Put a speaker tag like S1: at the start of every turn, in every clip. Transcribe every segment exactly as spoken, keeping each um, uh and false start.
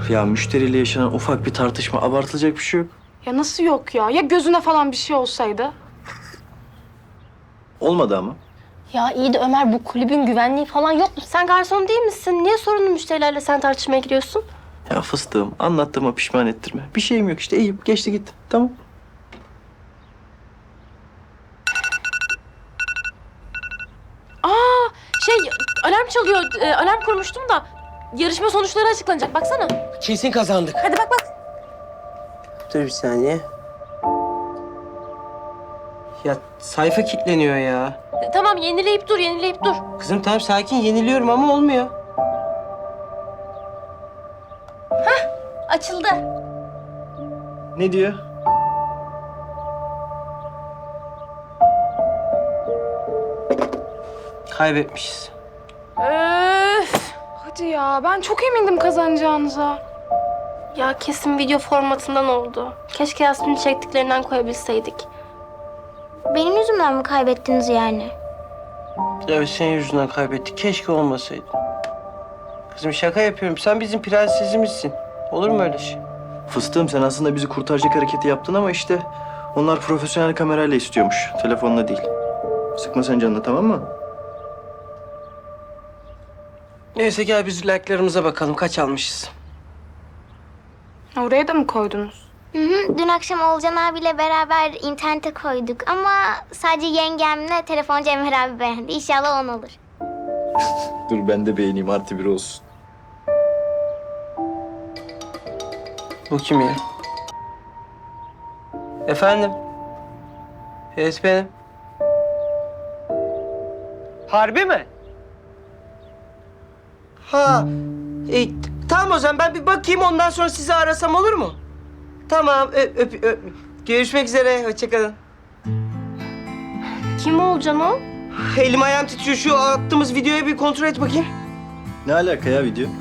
S1: Ya müşteriyle yaşanan ufak bir tartışma, abartılacak bir şey yok.
S2: Ya nasıl yok ya? Ya gözüne falan bir şey olsaydı?
S1: Olmadı ama.
S3: Ya iyi de Ömer, bu kulübün güvenliği falan yok mu? Sen garson değil misin? Niye sorunlu müşterilerle sen tartışmaya giriyorsun?
S1: Ya fıstığım, anlattığıma pişman ettirme. Bir şeyim yok işte, iyiyim. Geçti gitti. Tamam.
S3: Aa, şey alarm çalıyor. Ee, alarm kurmuştum da yarışma sonuçları açıklanacak. Baksana.
S4: Kesin kazandık.
S3: Hadi bak bak.
S4: Dur bir saniye. Ya sayfa kilitleniyor ya.
S3: E, Tamam, yenileyip dur, yenileyip dur.
S4: Kızım tamam sakin yeniliyorum ama olmuyor.
S3: Açıldı.
S1: Ne diyor?
S4: Kaybetmişiz.
S2: Öf. Hadi ya, ben çok emindim kazanacağınıza.
S3: Ya kesin video formatından oldu. Keşke Yasmin'in çektiklerinden koyabilseydik.
S5: Benim yüzümden mi kaybettiniz yani?
S4: Evet senin yüzünden kaybettik. Keşke olmasaydı. Kızım şaka yapıyorum. Sen bizim prensesimizsin. Olur mu öyle şey?
S1: Fıstığım, sen aslında bizi kurtaracak hareketi yaptın ama işte onlar profesyonel kamerayla istiyormuş. Telefonla değil. Sıkma sen canını, tamam mı?
S4: Neyse gel biz like'larımıza bakalım. Kaç almışız?
S2: Oraya da mı koydunuz?
S5: Hı hı. Dün akşam Olcan abiyle beraber internete koyduk ama sadece yengemle telefoncu Emir abi beğendi. İnşallah on olur.
S1: Dur ben de beğeneyim, artı bir olsun.
S4: Bu kim ya? Efendim? Evet benim. Harbi mi? Ha. E, tamam o zaman ben bir bakayım ondan sonra sizi arasam olur mu? Tamam öp, öp, öp. Görüşmek üzere. Hoşçakalın.
S3: Kim olacaksın o?
S4: Elim ayağım titriyor. Şu attığımız videoyu bir kontrol et bakayım.
S1: Ne alaka ya video?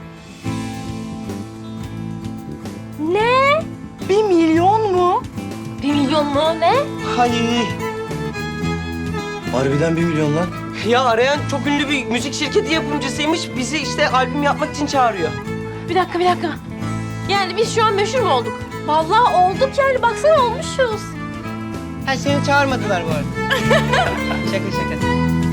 S3: Ne?
S2: Bir milyon mu?
S3: Bir milyon mu? Ne?
S4: Hayır.
S1: Harbiden bir milyon lan.
S4: Ya arayan çok ünlü bir müzik şirketi yapımcısıymış. Bizi işte albüm yapmak için çağırıyor.
S3: Bir dakika, bir dakika. Yani biz şu an meşhur mu olduk? Vallahi olduk yani. Baksana olmuşuz.
S4: Ha seni çağırmadılar bu arada. Şaka şaka.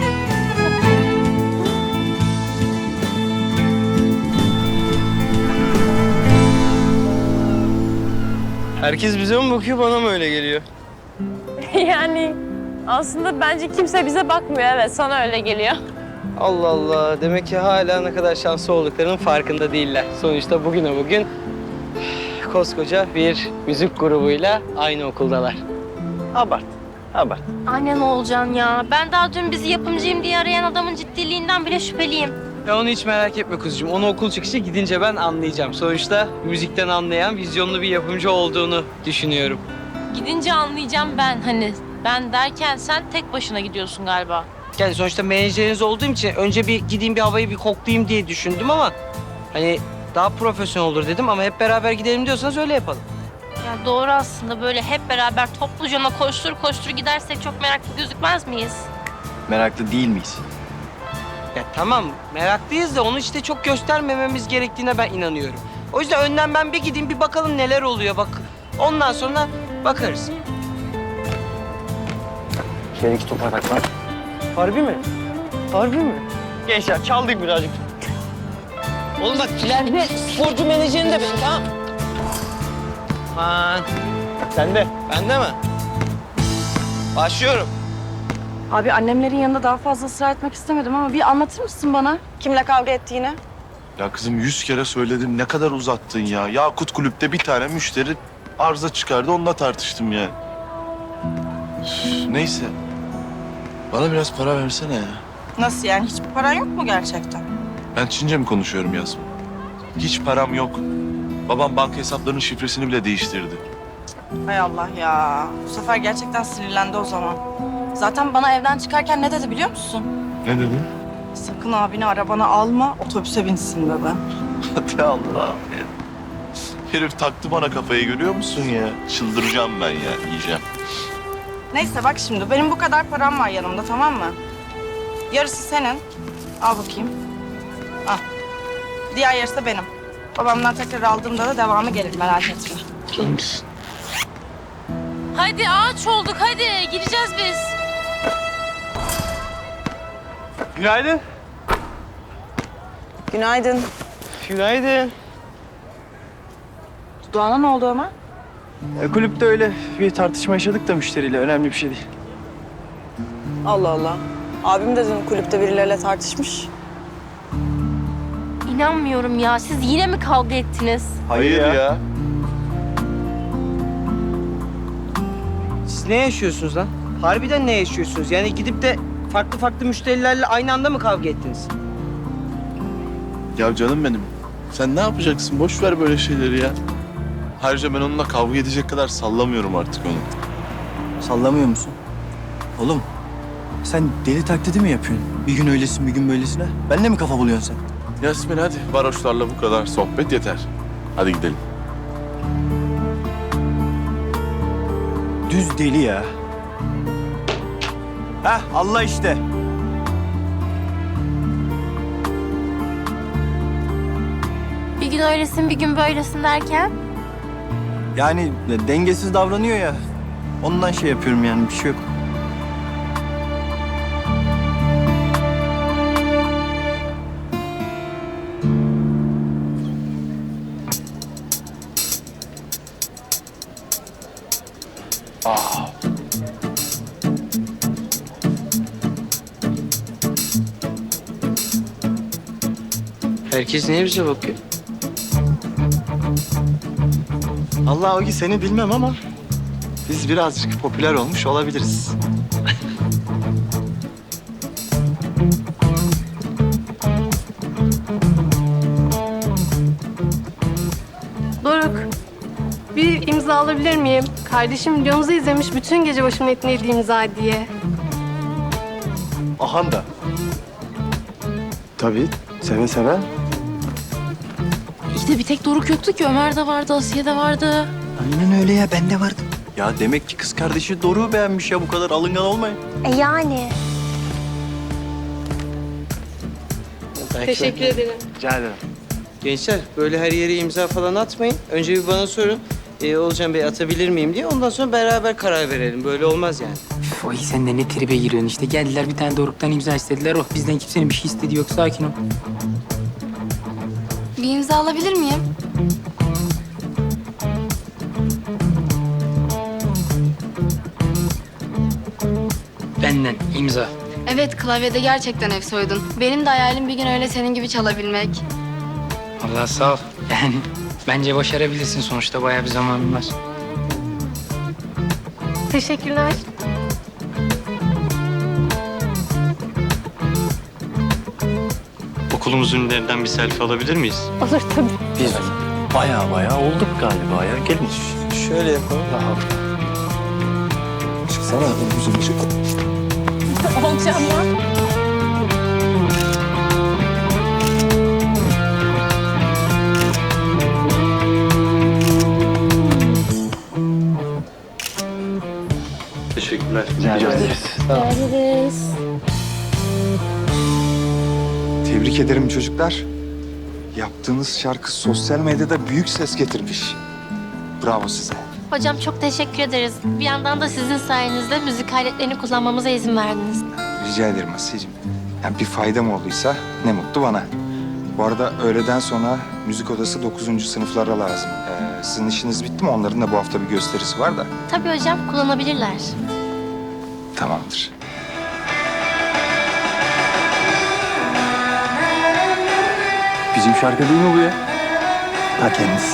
S4: Herkes bize mi bakıyor, bana mı öyle geliyor?
S6: Yani aslında bence kimse bize bakmıyor. Evet, sana öyle geliyor.
S4: Allah Allah, demek ki hala ne kadar şanslı olduklarının farkında değiller. Sonuçta bugüne bugün koskoca bir müzik grubuyla aynı okuldalar. Abart, abart.
S3: Annen olacaksın ya. Ben daha dün bizi yapımcıyım diye arayan adamın ciddiliğinden bile şüpheliyim.
S4: Ya onu hiç merak etme kuzucuğum. Onu okul çıkışı gidince ben anlayacağım. Sonuçta müzikten anlayan, vizyonlu bir yapımcı olduğunu düşünüyorum.
S6: Gidince anlayacağım ben hani. Ben derken sen tek başına gidiyorsun galiba.
S4: Yani sonuçta menajeriniz olduğum için önce bir gideyim bir havayı bir koklayayım diye düşündüm ama hani daha profesyonel olur dedim ama hep beraber gidelim diyorsanız öyle yapalım.
S3: Ya doğru aslında, böyle hep beraber topluca koştur koştur gidersek çok meraklı gözükmez miyiz?
S1: Meraklı değil miyiz?
S4: Ya tamam meraklıyız da onu işte çok göstermememiz gerektiğine ben inanıyorum. O yüzden önden ben bir gideyim bir bakalım neler oluyor bak. Ondan sonra bakarız.
S1: Şöyle iki toparlak var.
S4: Harbi mi? Harbi mi? Gençler çaldık birazcık. Oğlum bak ileride sporcu menajerin de ben tamam. Aman. Sen de. Ben de mi? Başlıyorum.
S2: Abi annemlerin yanında daha fazla ısrar etmek istemedim ama bir anlatır mısın bana? Kimle kavga ettiğini?
S7: Ya kızım yüz kere söyledim ne kadar uzattın ya. Yakut Kulüp'te bir tane müşteri arıza çıkardı onunla tartıştım yani. Üf, neyse. Bana biraz para versene ya.
S8: Nasıl yani? Hiçbir paran yok mu gerçekten?
S7: Ben Çince mi konuşuyorum Yasmin? Hiç param yok. Babam banka hesaplarının şifresini bile değiştirdi.
S8: Hay Allah ya. Bu sefer gerçekten sinirlendi o zaman. Zaten bana evden çıkarken ne dedi biliyor musun?
S7: Ne dedin?
S8: Sakın abini arabana alma, otobüse binsin dedi.
S7: Hadi Allah'ım ya. Herif taktı bana kafayı görüyor musun ya? Çıldıracağım ben ya, yiyeceğim.
S8: Neyse bak şimdi, benim bu kadar param var yanımda, tamam mı? Yarısı senin. Al bakayım. Al. Diğer yarısı da benim. Babamdan tekrar aldığımda da devamı gelir, merak etme.
S6: Hadi ağaç olduk hadi gireceğiz biz.
S4: Günaydın.
S8: Günaydın.
S4: Günaydın.
S8: Doğan'a ne oldu Ömer?
S1: E, kulüpte öyle bir tartışma yaşadık da müşteriyle. Önemli bir şey değil.
S8: Allah Allah. Abim de dün kulüpte birileriyle tartışmış.
S3: İnanmıyorum ya. Siz yine mi kavga ettiniz?
S7: Hayır ya.
S4: Siz ne yaşıyorsunuz lan? Harbiden ne yaşıyorsunuz? Yani gidip de farklı farklı müşterilerle aynı anda mı kavga ettiniz?
S7: Ya canım benim. Sen ne yapacaksın? Boş ver böyle şeyleri ya. Ayrıca ben onunla kavga edecek kadar sallamıyorum artık onu.
S1: Sallamıyor musun? Oğlum sen deli taklidi mi yapıyorsun? Bir gün öylesin bir gün böylesine. Benle mi kafa buluyorsun sen?
S7: Yasmin hadi. Varoşlarla bu kadar sohbet yeter. Hadi gidelim.
S1: Düz deli ya. Heh Allah işte.
S3: Bir gün öylesin, bir gün böylesin derken.
S1: Yani dengesiz davranıyor ya. Ondan şey yapıyorum yani bir şey yok.
S4: Herkes niye bize bakıyor?
S1: Allah o ki seni bilmem ama biz birazcık popüler olmuş olabiliriz.
S3: Doruk, bir imza alabilir miyim? Kardeşim videomuzu izlemiş, bütün gece başımın etini yedi imza diye.
S1: Ahan da. Tabii seve seve.
S6: İyi de bir tek Doruk yoktu ki. Ömer de vardı, Asiye de vardı.
S1: Aynen öyle ya ben de vardım. Ya demek ki kız kardeşi Doruk'u beğenmiş ya bu kadar alıngan olmayın.
S3: E yani.
S4: Teşekkür
S3: ederim.
S1: Rica ederim.
S4: Gençler böyle her yere imza falan atmayın. Önce bir bana sorun. Ee, Olcan Bey atabilir miyim diye. Ondan sonra beraber karar verelim. Böyle olmaz yani.
S9: Üf, Oy sen de ne tribe giriyorsun işte. Geldiler bir tane Doruk'tan imza istediler. Oh bizden kimsenin bir şey istediği yok. Sakin ol.
S2: Bir imza alabilir miyim?
S9: Benden imza.
S2: Evet, klavyede gerçekten ev soydun. Benim de hayalim bir gün öyle senin gibi çalabilmek.
S9: Allah sağ ol. Yani bence başarabilirsin sonuçta. Bayağı bir zamanın var.
S3: Teşekkürler.
S10: Okulumuzun ünlülerinden bir selfie alabilir miyiz?
S3: Olur tabii.
S1: Biz baya baya olduk galiba ya. Gelin.
S4: Şöyle yapalım.
S1: Çıksana yüzüm çık.
S6: Olacağım ya.
S10: Teşekkürler.
S3: Ederiz.
S11: Tebrik ederim çocuklar. Yaptığınız şarkı sosyal medyada büyük ses getirmiş. Bravo size.
S3: Hocam çok teşekkür ederiz. Bir yandan da sizin sayenizde müzik aletlerini kullanmamıza izin verdiniz.
S11: Rica ederim Asiye'cim. Yani bir faydam olduysa ne mutlu bana. Bu arada öğleden sonra müzik odası dokuzuncu sınıflara lazım. Ee, sizin işiniz bitti mi? Onların da bu hafta bir gösterisi var da.
S3: Tabii hocam kullanabilirler.
S11: Tamamdır.
S1: Bizim şarkı değil mi bu ya? Ta kendisi.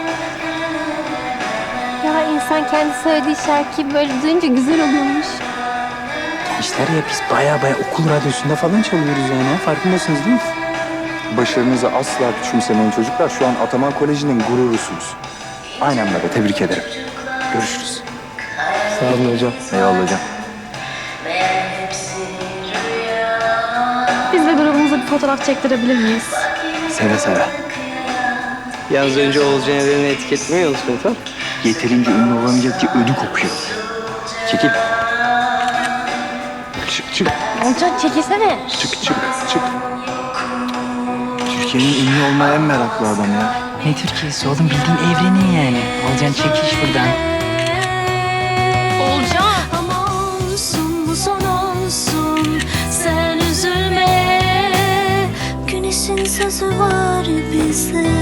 S3: Ya insan kendi söylediği şarkıyı böyle duyunca güzel oluyormuş.
S9: Gençler ya biz bayağı bayağı okul radyosunda falan çalıyoruz yani. Farkındasınız değil mi?
S11: Başarınızı asla küçümsemeyin çocuklar. Şu an Ataman Koleji'nin gururusunuz. Aynen böyle. Tebrik ederim. Görüşürüz.
S1: Sağ olun hocam. Eyvallah hocam.
S3: Biz de grubumuza bir fotoğraf çektirebilir miyiz?
S1: Seve seve.
S4: Yalnız önce Olcan Eren'i etiketlemeyi unutmayın tamam.
S1: Yeterince ünlü olamayacak ki ödü kopuyor. Çekil.
S7: Çık çık
S3: Olcan çekilsene.
S7: çık çık çık.
S1: Türkiye'nin ünlü olmaya en meraklı adam ya.
S9: Ne Türkiye'si oğlum, bildiğin evrenin yani. Olcan çekiş buradan.
S12: Ama olsun bu son olsun, sen üzülme. Güneşin sözü var bize.